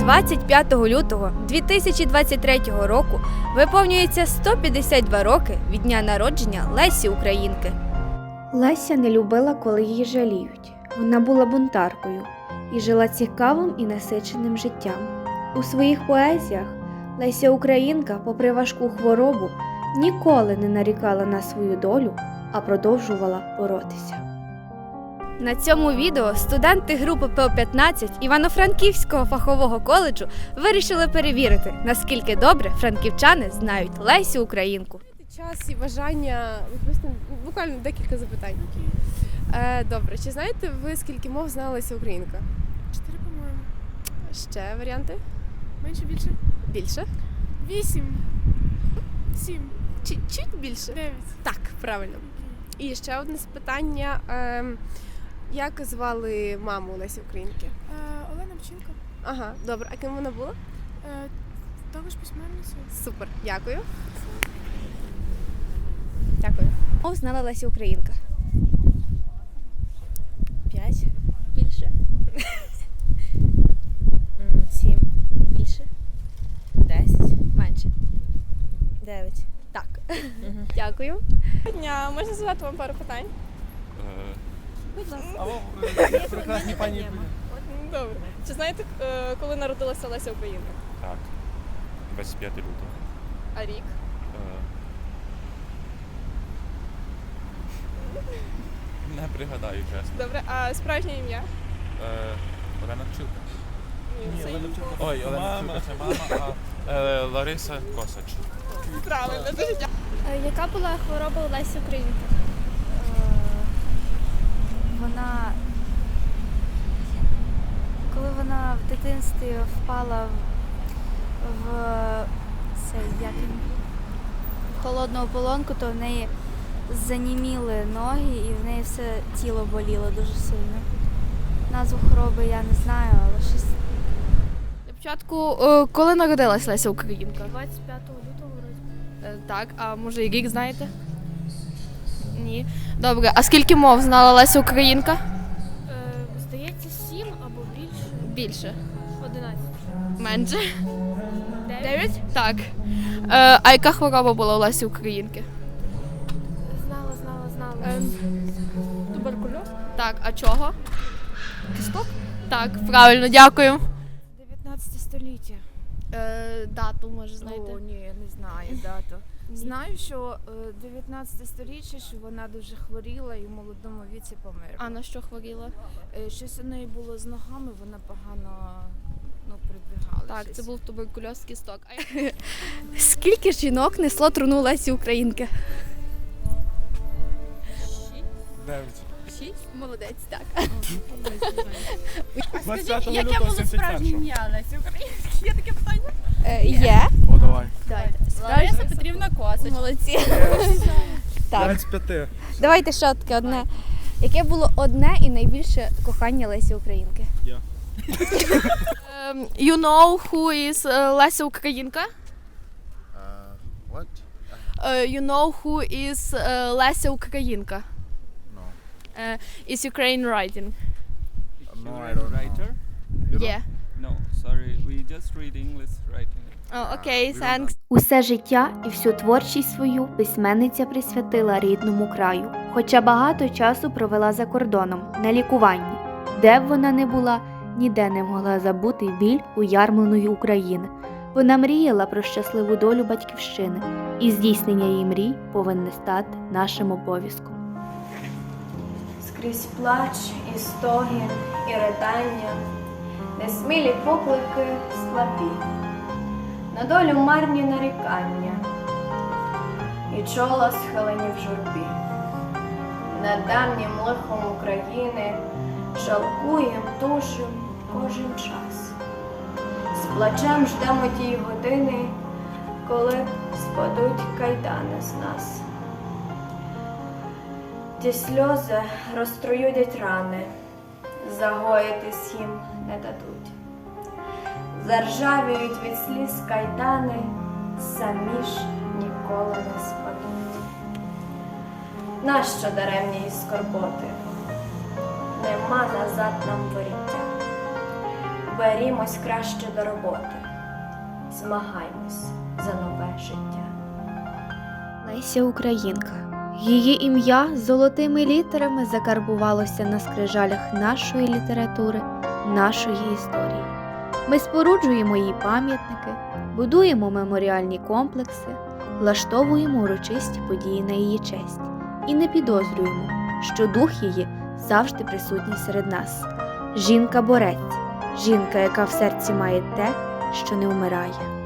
25 лютого 2023 року виповнюється 152 роки від дня народження Лесі Українки. Леся не любила, коли її жаліють. Вона була бунтаркою і жила цікавим і насиченим життям. У своїх поезіях Леся Українка, попри важку хворобу, ніколи не нарікала на свою долю, а продовжувала боротися. На цьому відео студенти групи ПО-15 Івано-Франківського фахового коледжу вирішили перевірити, наскільки добре франківчани знають Лесю Українку. Час і бажання відповісти буквально декілька запитань. Добре, чи знаєте ви, скільки мов знала Леся Українка? 4, по-моєму. Ще варіанти? Менше, більше? Більше? 8. 7. Чуть більше? 9. Так, правильно. І ще одне питання. Як звали маму Лесі Українки? Олена Вчинко. Ага, добре. А ким вона була? Також письменниця. Супер, дякую. Дякую. Мов знала Леся Українка. 5. Більше. 7. Більше. 10. Менше. 9. Так. Дякую. Дня, можна задати вам пару питань? Будь ласка. Прекрасні пані. Добре. Чи знаєте, коли народилася Леся Українка? Так, 25 лютого. А рік? Не пригадаю, чесно. Добре. А справжнє ім'я? Олена Вчилка. Ні, це Ой, Олена Вчилка це мама, а Лариса Косач. правильно. Дуже дякую. Яка була хвороба у Лесі Українки? Коли вона в дитинстві впала в холодну ополонку, то в неї заніміли ноги і в неї все тіло боліло дуже сильно. Назву хвороби я не знаю, але щось... Для початку, коли народилась Леся Українка? 25 лютого вроді. Так, а може і рік знаєте? Ні. Добре, а скільки мов знала Леся Українка? Здається, 7 або більше. Більше. 11. Менше. 9? Так. А яка хвороба була у Лесі Українки? Знала. Туберкульоз? Так, а чого? Кісток? Так, правильно, дякую. 19 століття. Дату, може, знаєте? О, ні, я не знаю дату. Знаю, що 19 століття, що вона дуже хворіла і в молодому віці померла. А на що хворіла? Щось у неї було з ногами, вона погано передвигалася. Так, це був туберкульоз кісток. Скільки жінок несло труну Лесі Українки? 9. 6? Молодець, так. Яке було справжнє ім'я Лесі Українки? Є таке питання? Є. О, давай. Лариса Петрівна Косач. Молодці. Так. 25. Давайте ще таке одне. Яке було одне і найбільше кохання Лесі Українки? Я. You know who is Леся Українка? What? You know who is Леся Українка? No. Is Ukraine writing? No, I don't Writer? Yeah. No, sorry. We just read English writing. Oh, okay, thanks. Усе життя і всю творчість свою письменниця присвятила рідному краю, хоча багато часу провела за кордоном, на лікуванні. Де б вона не була, ніде не могла забути біль уярмленої України. Вона мріяла про щасливу долю батьківщини, і здійснення її мрій повинне стати нашим обов'язком. Скрізь плач і стогін, і ридання, несмілі поклики слабі, на долю марні нарікання, і чола схилені в журбі. Над давнім лихом України жалкуєм, тужим кожен час. З плачем ждемо тієї години, коли спадуть кайдани з нас. Ті сльози розтруюдять рани, загоїтись їм не дадуть. Заржавіють від сліз кайдани, самі ж ніколи не спадуть. Нащо даремні й скорботи? Нема назад нам воріття. берімось краще до роботи, змагаймось за нове життя. Леся Українка. Її ім'я золотими літерами закарбувалося на скрижалях нашої літератури, нашої історії. Ми споруджуємо їй пам'ятники, будуємо меморіальні комплекси, влаштовуємо урочисті події на її честь і не підозрюємо, що дух її завжди присутній серед нас. Жінка-борець, жінка, яка в серці має те, що не вмирає.